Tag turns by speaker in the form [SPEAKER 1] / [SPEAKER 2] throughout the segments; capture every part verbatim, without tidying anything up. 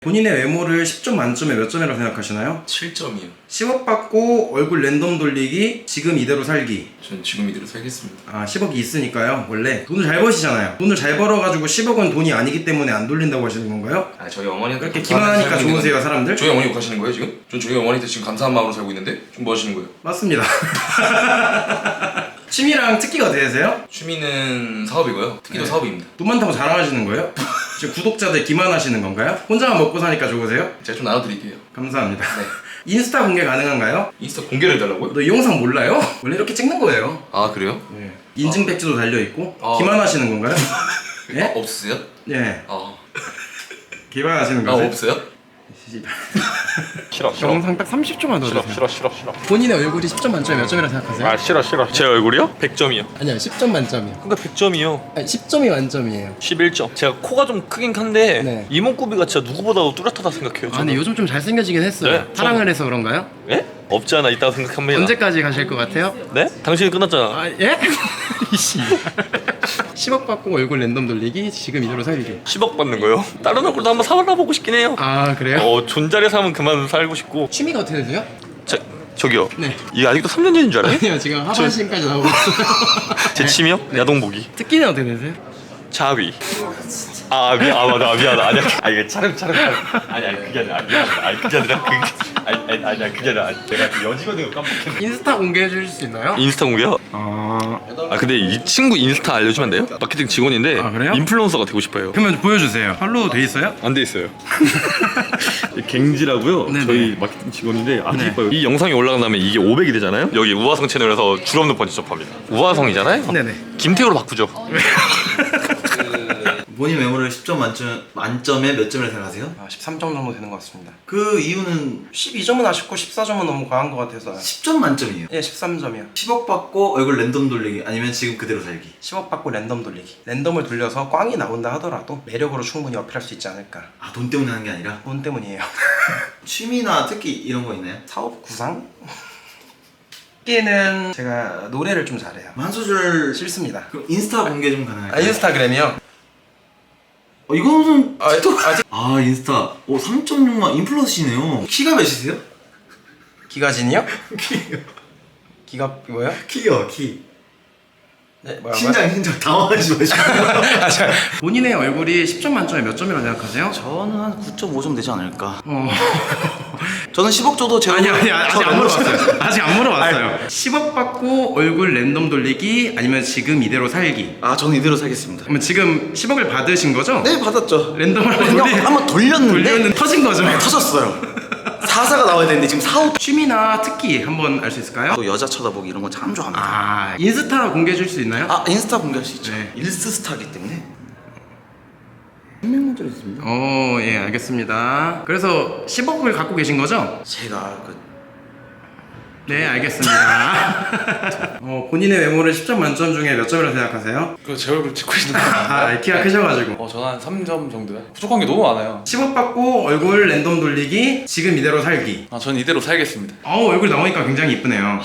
[SPEAKER 1] 본인의 외모를 십 점 만점에 몇 점이라고 생각하시나요?
[SPEAKER 2] 칠 점이요.
[SPEAKER 1] 십억 받고 얼굴 랜덤 돌리기, 지금 이대로 살기.
[SPEAKER 2] 전 지금 이대로 살겠습니다.
[SPEAKER 1] 아, 십억이 있으니까요. 원래 돈을 잘 버시잖아요. 돈을 잘 벌어가지고 십억은 돈이 아니기 때문에 안 돌린다고 하시는 건가요?
[SPEAKER 2] 아, 저희 어머니한테
[SPEAKER 1] 그렇게 기만하니까 좋으세요, 사람들?
[SPEAKER 2] 저희 어머니 욕하시는 거예요 지금? 전 저희 어머니한테 지금 감사한 마음으로 살고 있는데 지금 뭐 하시는 거예요?
[SPEAKER 1] 맞습니다. 취미랑 특기가 어떻게 되세요?
[SPEAKER 2] 취미는 사업이고요. 특기도
[SPEAKER 1] 네.
[SPEAKER 2] 사업입니다.
[SPEAKER 1] 돈 많다고 자랑하시는 거예요? 지금 구독자들 기만하시는 건가요? 혼자만 먹고 사니까 좋으세요?
[SPEAKER 2] 제가 좀 나눠드릴게요.
[SPEAKER 1] 감사합니다.
[SPEAKER 2] 네.
[SPEAKER 1] 인스타 공개 가능한가요?
[SPEAKER 2] 인스타 공개를 해달라고요?
[SPEAKER 1] 너 이 영상 몰라요? 원래 이렇게 찍는 거예요.
[SPEAKER 2] 아 그래요?
[SPEAKER 1] 네. 인증 배지도 달려있고.
[SPEAKER 2] 아.
[SPEAKER 1] 기만하시는 건가요? 예?
[SPEAKER 2] 아, 없으세요?
[SPEAKER 1] 예.
[SPEAKER 2] 아,
[SPEAKER 1] 기만하시는
[SPEAKER 2] 아
[SPEAKER 1] 거세요?
[SPEAKER 2] 없어요?
[SPEAKER 3] 싫어 싫어
[SPEAKER 1] 영상 딱 삼십 초만 더
[SPEAKER 3] 싫어
[SPEAKER 1] 주세요.
[SPEAKER 3] 싫어 싫어 싫어
[SPEAKER 1] 본인의 얼굴이 십 점 만점에 몇 점이라고 생각하세요?
[SPEAKER 3] 아 싫어 싫어 제 얼굴이요? 백 점이요.
[SPEAKER 1] 아니요, 십 점 만점이요.
[SPEAKER 3] 그러니까 백 점이요.
[SPEAKER 1] 아니, 십 점이 만점이에요.
[SPEAKER 3] 십일 점. 제가 코가 좀 크긴 한데
[SPEAKER 1] 네.
[SPEAKER 3] 이목구비가 진짜 누구보다도 뚜렷하다 생각해요.
[SPEAKER 1] 아, 근데 요즘 좀 잘생겨지긴 했어요.
[SPEAKER 3] 네,
[SPEAKER 1] 사랑을 해서 그런가요?
[SPEAKER 3] 예? 없지 않아 있다고 생각합니다.
[SPEAKER 1] 언제까지 가실 것 같아요?
[SPEAKER 3] 네? 당신이 끝났잖아.
[SPEAKER 1] 아, 예? 이씨. 십억 받고 얼굴 랜덤 돌리기, 지금 이대로 살기.
[SPEAKER 3] 십억 받는 거요? 다른 얼굴도 한번 살아보고 싶긴 해요.
[SPEAKER 1] 아, 그래요?
[SPEAKER 3] 어 존잘에 사면 그만 살고 싶고.
[SPEAKER 1] 취미가 어떻게 되세요?
[SPEAKER 3] 저 저기요.
[SPEAKER 1] 네.
[SPEAKER 3] 이게 아직도 삼 년 전인 줄 알아요?
[SPEAKER 1] 아니요, 지금 하반신까지 나오고 있어요.
[SPEAKER 3] 제 취미요? 야동보기.
[SPEAKER 1] 특기는 어떻게 되세요?
[SPEAKER 3] 자위. 아 미안, 아 맞아, 미안하다. 아니야, 아 이게 차름 차름 차름. 아니 아니 그게 아니라, 미안하다. 아니 그게 아니라 그 아니 아니 아니야 그게 아니라 내가 그 여직원인 거 깜빡했네.
[SPEAKER 1] 인스타 공개해 주실 수 있나요?
[SPEAKER 3] 인스타 공개요?
[SPEAKER 1] 아,
[SPEAKER 3] 아 근데 이 친구 인스타 알려주면 안 돼요? 마케팅 직원인데
[SPEAKER 1] 아, 그래요?
[SPEAKER 3] 인플루언서가 되고 싶어요.
[SPEAKER 1] 그러면 보여주세요. 팔로우 돼 있어요?
[SPEAKER 3] 안 돼 있어요. 갱지라고요.
[SPEAKER 1] 네네.
[SPEAKER 3] 저희 마케팅 직원인데 아주
[SPEAKER 1] 네.
[SPEAKER 3] 이뻐요. 이 영상이 올라간 다음에 이게 오백이 되잖아요. 여기 우화성 채널에서 줄 없는 번지 점프합니다. 우화성이잖아요.
[SPEAKER 1] 네네.
[SPEAKER 3] 김태우로 바꾸죠.
[SPEAKER 4] 본인 외모를 십 점 만점, 만점에 몇 점이라고 생각하세요?
[SPEAKER 1] 아, 십삼 점 정도 되는 것 같습니다.
[SPEAKER 4] 그 이유는
[SPEAKER 1] 십이 점은 아쉽고 십사 점은 너무 과한 것 같아서.
[SPEAKER 4] 십 점 만점이에요.
[SPEAKER 1] 예, 십삼 점이요.
[SPEAKER 4] 십억 받고 얼굴 랜덤 돌리기 아니면 지금 그대로 살기.
[SPEAKER 1] 십억 받고 랜덤 돌리기. 랜덤을 돌려서 꽝이 나온다 하더라도 매력으로 충분히 어필할 수 있지 않을까.
[SPEAKER 4] 아, 돈 때문에 하는 게 아니라?
[SPEAKER 1] 돈 때문이에요.
[SPEAKER 4] 취미나 특기 이런 거 있나요?
[SPEAKER 1] 사업 구상? 특기는 제가 노래를 좀 잘해요.
[SPEAKER 4] 한 소절
[SPEAKER 1] 싫습니다.
[SPEAKER 4] 그럼 인스타 공개 좀 가능할까요?
[SPEAKER 1] 아, 인스타그램이요?
[SPEAKER 4] 어, 이거는
[SPEAKER 1] 아, 아직
[SPEAKER 4] 아, 인스타 오, 삼 점 육만 인플루언서시네요. 키가 몇이세요?
[SPEAKER 1] 기가진이요? 기가 뭐요?
[SPEAKER 4] 키요, 키.
[SPEAKER 1] 네, 뭐라고요?
[SPEAKER 4] 신장, 신장 당황하지 마시고.
[SPEAKER 1] 아, 자, 본인의 얼굴이 십 점 만점에 몇 점이라고 생각하세요?
[SPEAKER 4] 저는 한 구 점 오 점 되지 않을까.
[SPEAKER 1] 어.
[SPEAKER 4] 저는 십억 줘도 제
[SPEAKER 1] 아니
[SPEAKER 4] 얼굴
[SPEAKER 1] 아니 아직 안 물어봤어요. 아직 안 물어봤어요. 십억 받고 얼굴 랜덤 돌리기 아니면 지금 이대로 살기.
[SPEAKER 4] 아, 저는 이대로 살겠습니다.
[SPEAKER 1] 그러면 지금 십억을 받으신 거죠?
[SPEAKER 4] 네, 받았죠.
[SPEAKER 1] 랜덤을 한번
[SPEAKER 4] 랜덤
[SPEAKER 1] 돌리-
[SPEAKER 4] 한번 돌렸는데
[SPEAKER 1] 돌렸는데 터진 거죠?
[SPEAKER 4] 네, 터졌어요. 사사가 나와야 되는데 지금 사억.
[SPEAKER 1] 취미나 특기 한번 알 수 있을까요?
[SPEAKER 4] 또 여자 쳐다보기 이런 거 참 좋아합니다.
[SPEAKER 1] 아, 인스타 공개해 줄 수 있나요?
[SPEAKER 4] 아, 인스타 공개할 수 있죠.
[SPEAKER 1] 네.
[SPEAKER 4] 일스 스타기 때문에. 한 명만 있습니다.
[SPEAKER 1] 어, 예, 알겠습니다. 그래서 십억을 갖고 계신 거죠?
[SPEAKER 4] 제가 그
[SPEAKER 1] 네, 알겠습니다. 어, 본인의 외모를 십 점 만점 중에 몇 점이라고 생각하세요?
[SPEAKER 5] 그 제 얼굴 찍고 있는 거
[SPEAKER 1] 아, 키가 크셔가지고.
[SPEAKER 5] 어, 저는 한 삼 점 정도요? 부족한 게 너무 많아요.
[SPEAKER 1] 십억 받고 얼굴 랜덤 돌리기, 지금 이대로 살기.
[SPEAKER 5] 아, 전 이대로 살겠습니다.
[SPEAKER 1] 어, 얼굴 나오니까 굉장히 이쁘네요.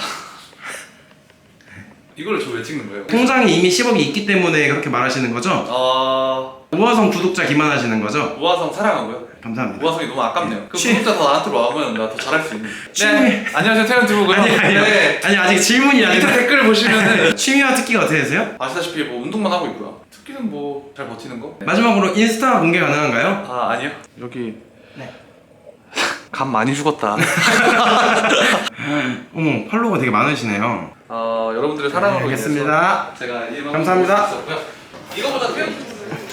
[SPEAKER 5] 이걸 저 왜 찍는 거예요?
[SPEAKER 1] 통장에 이미 십억이 있기 때문에 그렇게 말하시는 거죠?
[SPEAKER 5] 어...
[SPEAKER 1] 우화성 구독자 기만하시는 거죠?
[SPEAKER 5] 우화성 사랑하고요.
[SPEAKER 1] 감사합니다.
[SPEAKER 5] 우화성이 너무 아깝네요. 그
[SPEAKER 1] 취-
[SPEAKER 5] 구독자 더 나한테 와오면 나 더 잘할 수 있는.
[SPEAKER 1] 취미-
[SPEAKER 5] 네, 안녕하세요 태연 두부고요.
[SPEAKER 1] 아니, 아니요.
[SPEAKER 5] 네,
[SPEAKER 1] 아니, 아직 질문이
[SPEAKER 5] 밑에
[SPEAKER 1] 아니라.
[SPEAKER 5] 댓글 보시면은
[SPEAKER 1] 취미와 특기가 어떻게 되세요?
[SPEAKER 5] 아시다시피 뭐 운동만 하고 있고요. 특기는 뭐 잘 버티는 거?
[SPEAKER 1] 마지막으로 인스타 공개 가능한가요?
[SPEAKER 5] 아, 아니요. 여기
[SPEAKER 1] 네.
[SPEAKER 5] 감 많이 죽었다.
[SPEAKER 1] 어머, 팔로워가 되게 많으시네요.
[SPEAKER 5] 어, 여러분들의 사랑으로
[SPEAKER 1] 알겠습니다.
[SPEAKER 5] 인해서 제가 이 음악을
[SPEAKER 1] 감사합니다.
[SPEAKER 5] 볼수 있었고요. 이거보다 태연